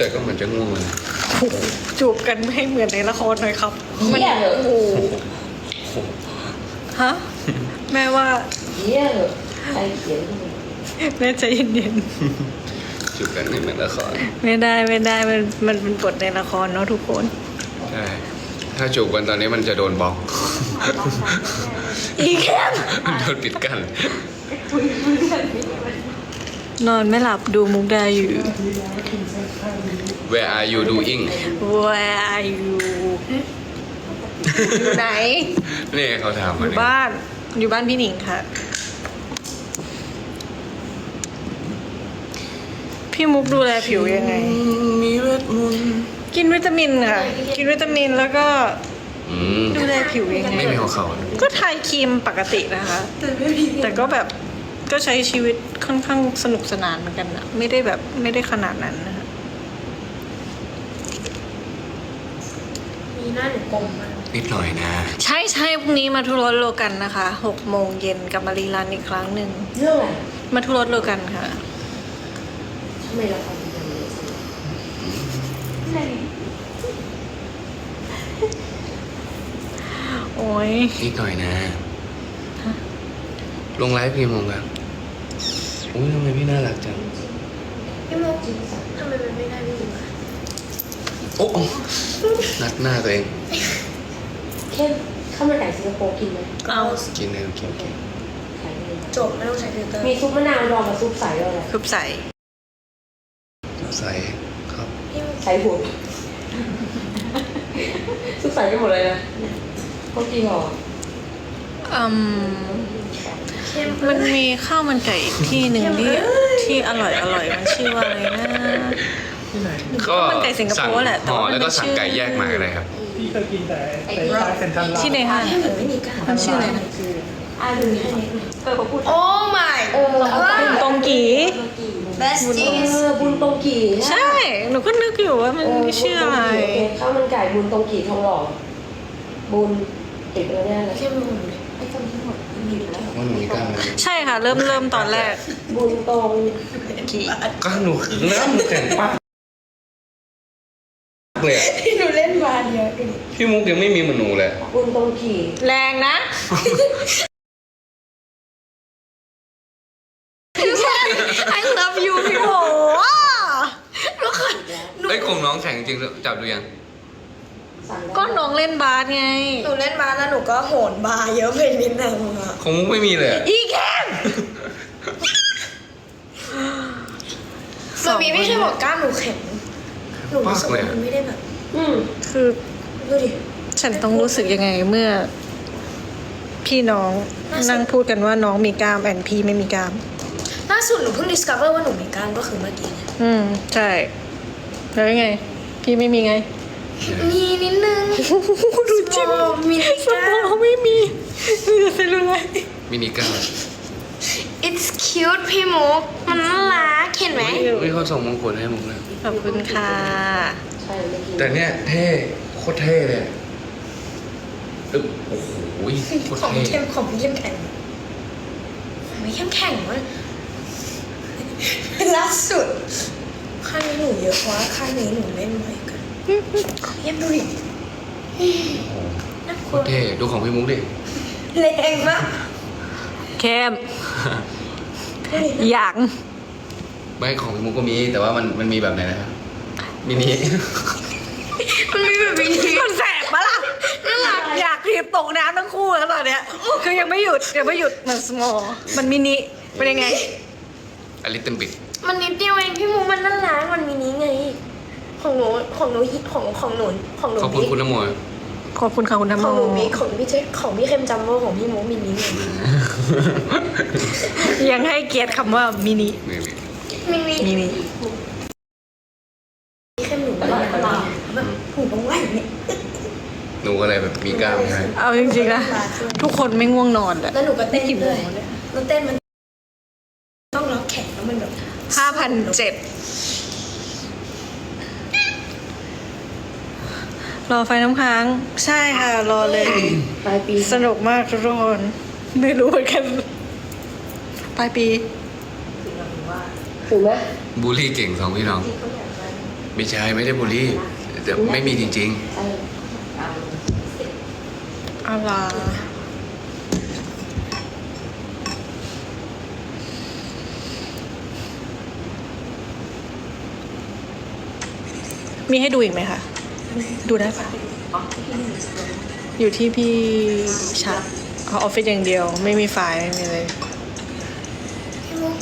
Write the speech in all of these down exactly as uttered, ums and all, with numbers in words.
แต่ก็เหมือนจะง่วงเลยจูบกันไม่ให้เหมือนในละครหน่อยครับมันเหี้ยเหรอโอ้โหฮะแม่ว่าเหี้ยเหรอใครเขียนให้มึงแม่ใจเย็นจูบกันในเหมือนละครๆไม่ได้ไม่ได้มันมันเป็นบทในละครเนาะทุกคนใช่ถ้าจูบกันตอนนี้มันจะโดนบล็อกอีแคมมันโดนปิดกันนอนไม่หลับดูมุกดาอยู่ Where are you doing Where are you อยู่ไหนนี่เขาถามอมายู่เนี่ยบ้านอยู่บ้านพี่หนิงค่ะ พี่มุกดูแลผิวยังไงมีเวทมนต์กินวิตามินค่ะ กินวิตามินแล้วก็อืมดูแลผิวยังไงไม่มีหัวเข่าก็ทายครีมปกตินะคะ แต่ก็แบบก็ใช้ชีวิตค่อนข้างสนุกสนานเหมือนกันนะไม่ได้แบบไม่ได้ขนาดนั้นนะคะมีหน้าหนูกลมมากนิดหน่อยนะใช่ใช่พรุ่งนี้มาทุรสโลกันนะคะหกโมงเย็นกลับมารีรันอีกครั้งหนึ่งเรื่องอะไรมาทุรสโลกันค่ะทำไมเราทำอย่างนี้สิโอ้ยนิดหน่อยนะ ลงไลฟ์พี่มงกันอุ้ยทำไมพี่น่ารักจังพี่โมกทำไมมันไม่ได้พี่ดูอะโอ้โอ้นัดหน้าตัวเองเข้มข้าวมันไก่สิงคโปร์กินไหมเอากินเลยกินกินขายดีจบไม่ต้องใช้ฟิลเตอร์มีซุปมะนาวดองกับซุปใสด้วยอะไรคุบใส่ใส่ครับพี่โมกใสหุ่นซุปใสกันหมดเลยนะเขากินหรออืมเข้มมันมีข้าวมันไก่อีกที่หนึ่งที่ที่อร่อยอร่อยมันชื่อว่าอะไรนะก็มันไก่สิงคโปร์แหละแต่ห่อว่ามันแล้วก็ไม่สั่งชื่อไก่แยกมาก็ได้ครับพี่เคยกินแต่แต่ร้านเซ็นทรัลลาดที่ในห้างให้หนูไม่มีการมันชื่ออะไรนะอ่าดูนี่เออเขาพูดโอ้ my เออเอาไปบุญตรงกี best เอ cheese อบุญตรงกี่ใช่ หนูก็นึกอยู่ว่ามันชื่ออะไรข้าวมันไก่บุญตรงกี่ทองหล่อบุญติดแล้วเนี่ยเลยเข้มหนูเลยไอ้คนที่หมดมีแล้วว่าหนูมีกล้ามไหมใช่ค่ะ เริ่มเริ่มตอนแรกบุญตรงกีกล้ามหนูเริ่มแข็งปากเลยอะหนูเล่นมาเดียวดูดิพี่มุกยังไม่มีเหมือนหนูเลยบุญตรงกี่แรงนะ I love you พี่โหไอ้ยของน้องแข็งจริงๆจับดูยังสั่งได้ก็น้องเล่นบาสไงหนูเล่นมาแล้วหนูก็โหนบาร์เยอะไปนิดนึงอะของมุกไม่มีเลยอะอีแคมมันมีไม่ใช่บอกกล้ามหนูแข็งหนูรู้สึกว่ามันไม่ได้แบบอืมคือดูดิฉันต้องรู้สึกยังไงเมื่อ พี่น้องนั่งพูดกันว่าน้องมีกล้ามแอนพี่ไม่มีกล้ามล่าสุดหนูเพิ่ง discover ว่าหนูมีกล้ามก็คือเมื่อกี้เนี่ยอืม ใช่ แล้วยังไง พี่ไม่มีไงมีนิดนึงดูจิ้มมีนิดสกล้ามมองไม่มีมีแต่เซลลูไลท์มินิกล้าม It's cute พี่มุกมันน่ารักเห็นไหมเฮ้ยเขาส่งมงกุฎให้มุกเลยขอบคุณค่ะใช่ไม่กินแต่เนี้ยเท่โคตรเท่เลยอึ๊บโอ้โหโคตรของเท่เข้มของเข้มแข็งไม่เข้มแข็งวะล่าสุดข้างนี้หนูเยอะเพราะว่าข้างนี้หนูเล่นบ่อยกันเยี่ยมดูดิน่ากโคลัวตรเท่ดูของพี่มุกดิแรงมากเข้มอยากไม่ของพี่มุกก็มีแต่ว่ามันมันมีแบบไหนนะครับมินิมันมีแบบนี้มันแสบปะล่ะน่ารักอยากทีบตกน้ำทั้งคู่แล้วตอนเนี้ยคือยังไม่หยุดยังไม่หยุดมัน small มันมินิเป็นยังไงอลิตเติ้ลบิดมันนิดเดียวเองพี่มุกมันน่ารักมันมีนี้ไง ของหนูของหนูของของหนูของหนูขอบคุณบิ๊กคุณน้ำโมขอบคุณค่ะคุณธรรมของหนูบิ๊กของพี่เจ๊ของพี่เข้มจัมโบ้ของพี่มุกมินิไงยังให้เกียรติคำว่ามินินี่นี่มินิมินิพี่เข้มหนูแบบแบบหูตรงไหวเนี่ยหนูก็เลยแบบมีกล้ามใช่ไหมเอาจริงๆนะทุกคนไม่ง่วงนอนแหละแล้วหนูก็เต้นกี่โมด้วยงเนี่ยแล้วเต้นมันต้องล็อกแขนแล้วมันแบบห้าพันเจ็ดรอไฟน้ำค้าง ใช่ค่ะ รอเลยปลายปีสนุกมากทุกคนไม่รู้เหมือนกันปลายปีถูกไหมบูลลี่เก่งสองพี่น้องที่เขาอยากได้ไม่ใช่ไม่ได้บูลลี่แต่ไม่มีจริงเออเอาเสร็จอะไรมีให้ดูอีกไหมคะ ดูได้ปะอยู่ที่พี่ชัดเขาออฟฟิศอย่างเดียว ไม่มีไฟล์ไม่มีอะไรพี่มุก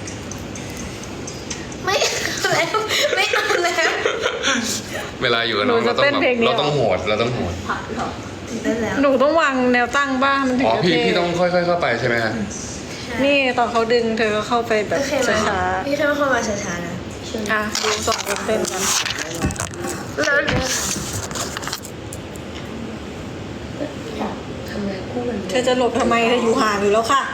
ไม่เอาแล้วไม่เอาแล้วๆ เวลาอยู่กับน้องหนูเราจะต้องเต้นแบบเพลงนี้เราต้องโหดเราต้องโหดได้แล้วหนูต้องวางแนวตั้งบ้างมันถึงอ๋อจะพี่เท่พี่ต้องค่อยๆเข้าไปใช่ไหมฮะนี่ตอนเขาดึงเธอก็เข้าไปแบบโอเคไหมช้าพี่เข้าเข้ามาช้าๆนะๆอ่ะดูสองคนเต้นกันแล้วทำงานคู่กันเธอจะหลบทำไมเธออยู่ห่างอยู่แล้วค่ะ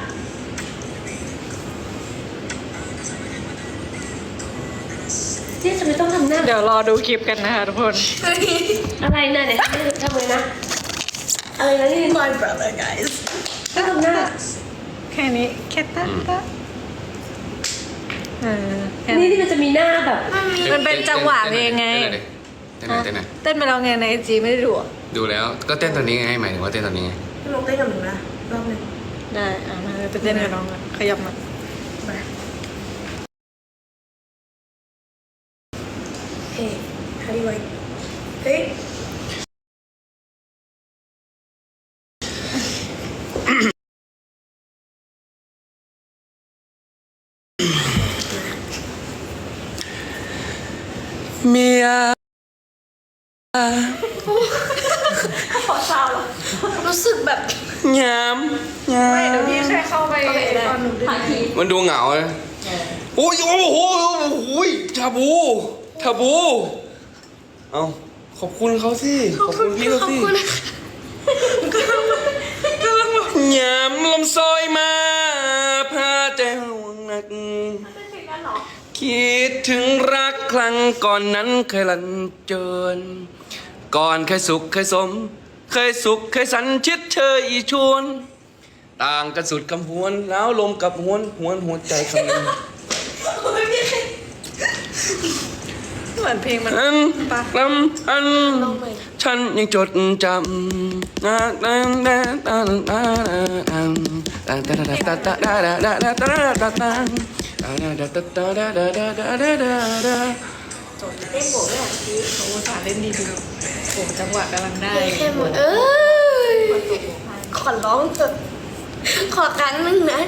เนี่ยจะไม่ต้องทำหน้าเดี๋ยวรอดูคลิปกันนะคะทุกคนอะไรนะเนี่ยทำไมนะ อะไรนะนี่ My brother guys ต้องทำหน้าแค่นี้แค่ตั้งตะเออแค่นี่นี้ที่มันจะมีหน้าแบบมันเป็นจังหวะเพลงไงเต้นหน่อยเต้นหน่อยเต้นไปแล้วไงในไอจีไม่ได้ดูอ่ะดูแล้วก็เต้นตอนนี้ไงหมายถึงว่าเต้นตอนนี้ไงพี่มุกเต้นกับหนูนะรอบหนึ่งได้อ่ะมาไปเต้นกับน้องกันขยับมามาเฮ้ย how do you like เฮ้ยเมียรู้สึกแบบยามยามไม่เดี๋ยวพี่แค่เข้าไปโอเคได้ตอนหนูดึงมันดูเหงาเลยโอ้ยโอ้โหโอ้โหชาบูชาบู เอาขอบคุณเขาสิขอบคุณพี่เขาขอบสิคุณยามลมซอยมาพาใจห่วงหนัก คิดถึงรักครั้งก่อนนั้นเคยลันเจินก่อนเคยสุขเคยสม เคยสุขเคยสันชิดเชยอีชวน ต่างกันสุดคำหวนแล้วลมกับหวนหวนหัวใจคำนึงเหมือนเพลงมันอันปะลำอัน ฉันยังจดจำนะนะนะนะนะนะเต้นโบกด้วยอ่ะพี่เขาอุตส่าห์เล่นดีๆโอ้จังหวะกำลังได้แค่หมดเอ้ย ขอร้องเถอะขอครั้งหนึงนะ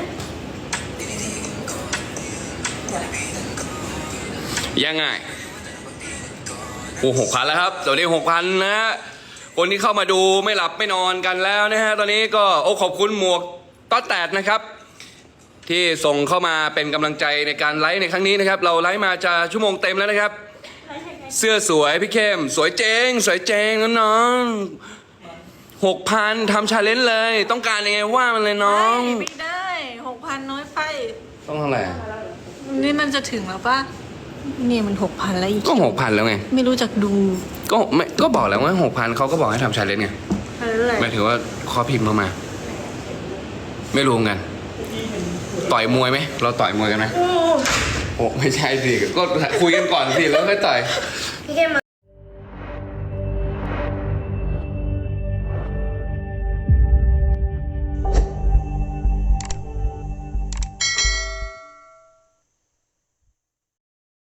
ยังไงโอ้หกพันแล้วครับตอนนี้หกพันนะฮะคนที่เข้ามาดูไม่หลับไม่นอนกันแล้วนะฮะตอนนี้ก็โอ้ขอบคุณหมวกต๊อดแตดนะครับ ที่ส่งเข้ามาเป็นกำลังใจในการไลฟ์ในครั้งนี้นะครับ เราไลฟ์มาจะชั่วโมงเต็มแล้วนะครับ เสื้อสวยพี่เข้มสวยเจงสวยเจงน้องหกพันทำชาเลนจ์เลย ต้องการยังไงว่ามันเลยน้องไม่ได้หกพันน้อยไปต้องเท่าไหร่นี่มันจะถึงแล้วปะนี่มันหกพันแล้วอีกก็หกพันแล้วไงไม่รู้จักดูก็ไม่ก็บอกแล้วว่าหกพันเขาก็บอกให้ทำชาเลนจ์ไงอะไรหมายถึงว่าขอพิมพ์เข้ามา ไม่รู้กัน ต่อยมวยไหมเราต่อยมวยกันไหมโอ้ไม่ใช่สิก็คุยกันก่อนสิแล้วค่อยต่อยพี่แค่มา